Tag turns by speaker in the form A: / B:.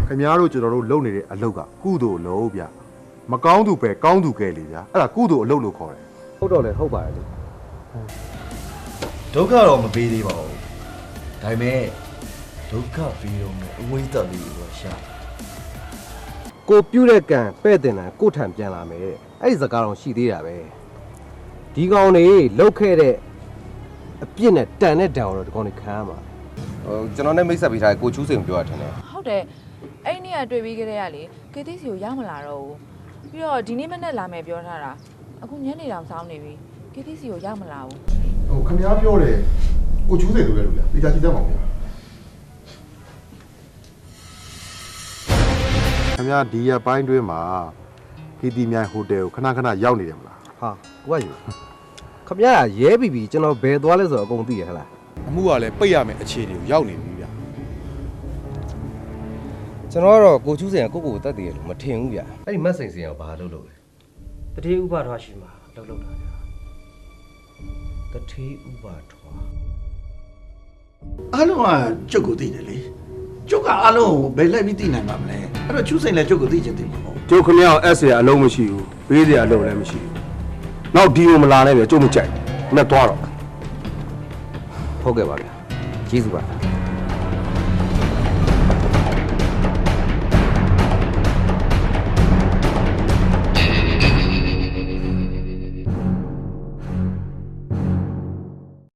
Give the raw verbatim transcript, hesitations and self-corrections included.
A: ခင်ဗျားတို့ကျွန်တော်တို့လုပ်နေတဲ့အလုပ်ကကုသိုလ်လုပ်ဗျမကောင်းသူပဲကောင်းသူကဲလေဗျာအဲ့ဒါကုသိုလ်အလုပ်လို့ခေါ်တယ်
B: ဟုတ်တော့လေဟုတ်ပါတယ်လေ
C: ဒုက္ခတော့မပေးသေးပါဘူးဒါပေမဲ့ဒုက္ခပေးတော့မယ်အဝိဇ္ဇာလေးကိုရှာ
B: ကိုပြုတ်တဲ့ကံပဲ့တင်တယ်ကိုထံပြန်လာမယ်အဲ့ဒီစကားတော့ရှိသေးတာပဲဒီကောင်တွေလောက်ခဲ့တဲ့အပြစ်နဲ့တန်တဲ့တန်တော့ဒီကောင်တွေခံရမှာဟိုကျွန်တော်နဲ့မိတ်ဆက်ပေးထားကိုချူးစိန်ပြောရထင်တယ်
D: ဟုတ်တယ်အဲ့ဒီနေ့ကတွေ့ပြီးကြတဲ့ကလေကေတီစီကိုရောက်မလာတော့ဘူးပြီးတော့ဒီနေ့မနေ့လာမယ်ပြောထားတာအခုညနေတောင်စောင်းနေပြီကေတီစီကိုရောက်မလာဘူး
A: ဟိုခင်ဗျားပြောတယ်ကိုချူးစိတ်လိုလဲလို့ဗျာတေချာကြည့်တတ်ပါဦးဗျာခင်ဗျားဒီရက်ပိုင်းတွင်းမှာဟီတီမြိုင်ဟိုတယ်ကိုခဏခဏရောက်နေတယ်မလား
B: ဟာကိုကယူခမရရဲပြီပြီကျွန်တော်ဘယ်သွားလဲဆိုတော့အကုန်သိရဟလား
E: အမှုကလည်းပိတ်ရမယ်အခြေအနေကိုရောက်နေပြီဗျာ
B: ကျွန်တော်ကတော့ကိုချူးစိန်ကကိုကိုကိုတတ်တည်ရလို့မထင်ဘူးဗျအဲ့ဒီမတ်စိန်စိန်ကဘာလုပ်လို့လဲ
F: တတိဥပထွားရှိမှာအလုပ်လုပ်တာဗျာ
B: တထေးဥပါထွား
G: အားလုံးကကျုပ်ကိုသိတယ်လေကျုပ်ကအားလုံးကိုဘယ်လိုက်ပြီးသိနိုင်မှာမလဲအဲ့တော့ချူးစိန်လည်းကျုပ်ကိုသိချင်တယ်ပေါ့
H: ကျုပ်ခမရအောင်အက်စရာအလုံးမရှိဘူးပေးစရာအလုံးလည်းမရှိဘူးနောက်ဒီကိုမလာနဲ့ပြကျုပ်မကြိုက်နဲ့သွားတော့
B: ဟုတ်ကဲ့ပါဗျကျေးဇူးပါ